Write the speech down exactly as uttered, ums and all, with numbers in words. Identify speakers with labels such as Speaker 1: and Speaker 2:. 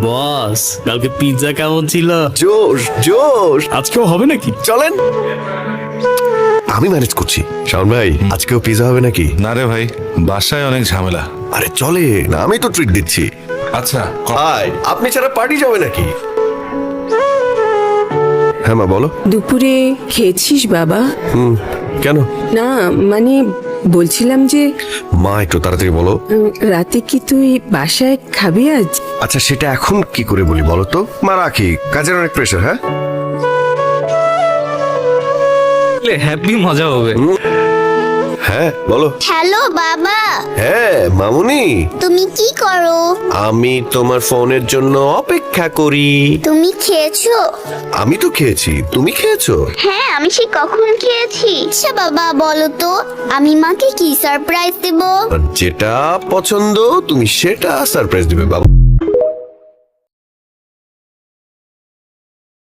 Speaker 1: বস কালকে পিৎজা কেমন ছিল?
Speaker 2: জোশ জোশ।
Speaker 1: আজকেও হবে নাকি?
Speaker 2: চলেন, আমি ম্যানেজ করছি। শাওন ভাই, আজকেও পিজা হবে নাকি?
Speaker 3: না রে ভাই, বাসায় অনেক ঝামেলা।
Speaker 2: আরে চলে না, আমি তো ট্রিট দিচ্ছি।
Speaker 3: আচ্ছা
Speaker 2: হাই, আপনি ছাড়া পার্টি যাবে নাকি? হ্যাঁ মা বলো।
Speaker 4: দুপুরে খেয়েছিস বাবা?
Speaker 2: হুম, কেন?
Speaker 4: না মানে বলছিলাম যে
Speaker 2: মা একটু তাড়াতাড়ি বলো।
Speaker 4: উম, রাতে কি তুই বাসায় খাবি আজ?
Speaker 2: আচ্ছা সেটা এখন কি করে বলি বলো তো? মা রাখি, কাজের অনেক প্রেশার। হ্যাঁ
Speaker 1: হ্যাপি মজা হবে।
Speaker 2: হ্যাঁ বলো।
Speaker 5: হ্যালো বাবা,
Speaker 2: হ্যাঁ মামুনি,
Speaker 5: তুমি কি করো?
Speaker 2: আমি তোমার ফোনের জন্য অপেক্ষা করি।
Speaker 5: তুমি খেয়েছো?
Speaker 2: আমি তো খেয়েছি, তুমি খেয়েছো?
Speaker 5: হ্যাঁ, আমি সে কখন খেয়েছি। আচ্ছা বাবা বলো তো, আমি মাকে কি সারপ্রাইজ দেব?
Speaker 2: যেটা পছন্দ তুমি সেটা সারপ্রাইজ দিবে বাবা।